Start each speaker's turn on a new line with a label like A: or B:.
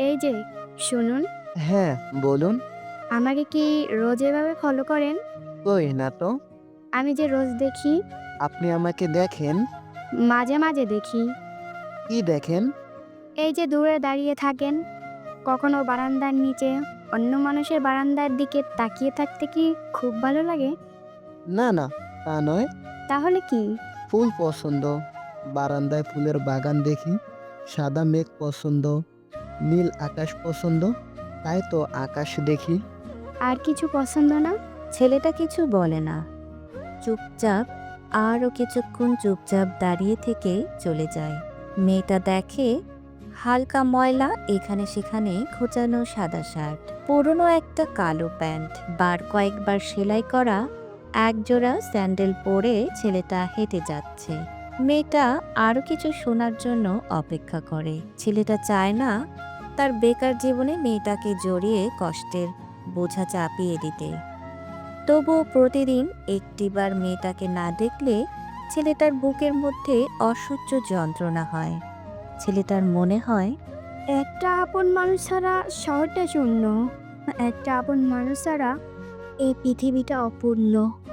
A: এই যে শুনুন,
B: হ্যাঁ, বলুন।
A: আমাকে কি রোজ এভাবে ফলো করেন?
B: কই না তো।
A: আমি যে রোজ দেখি,
B: আপনি আমাকে দেখেন?
A: মাঝে মাঝে দেখি।
B: কি দেখেন?
A: এই যে দূরে দাঁড়িয়ে থাকেন, কখনো বারান্দার নিচে অন্য মানুষের বারান্দার দিকে তাকিয়ে থাকতে কি খুব ভালো লাগে?
B: না, না, তা নয়।
A: তাহলে কি?
B: ফুল পছন্দ। বারান্দায় ফুলের বাগান দেখি। সাদা মেঘ পছন্দ। নীল আকাশ পছন্দ। তাই তো আকাশ দেখি।
A: আর কিছু পছন্দ না?
C: ছেলেটা কিছু বলে না, চুপচাপ আরও কিছুক্ষণ চুপচাপ দাঁড়িয়ে থেকে চলে যায়। মেয়েটা দেখে হালকা ময়লা এখানে সেখানে খোঁচানো সাদা শার্ট, পুরনো একটা কালো প্যান্ট, বার কয়েকবার সেলাই করা একজোড়া স্যান্ডেল পরে ছেলেটা হেঁটে যাচ্ছে। মেয়েটা আরও কিছু শোনার জন্য অপেক্ষা করে। ছেলেটা চায় না তার বেকার জীবনে মেয়েটাকে জড়িয়ে কষ্টের বোঝা চাপিয়ে দিতে। তবুও প্রতিদিন একটিবার মেয়েটাকে না দেখলে ছেলেটার বুকের মধ্যে অসহ্য যন্ত্রণা হয়। ছেলেটার মনে হয়
A: একটা আপন মানুষ ছাড়া শহরটা শূন্য। একটা আপন মানুষ ছাড়া এই পৃথিবীটা অপূর্ণ।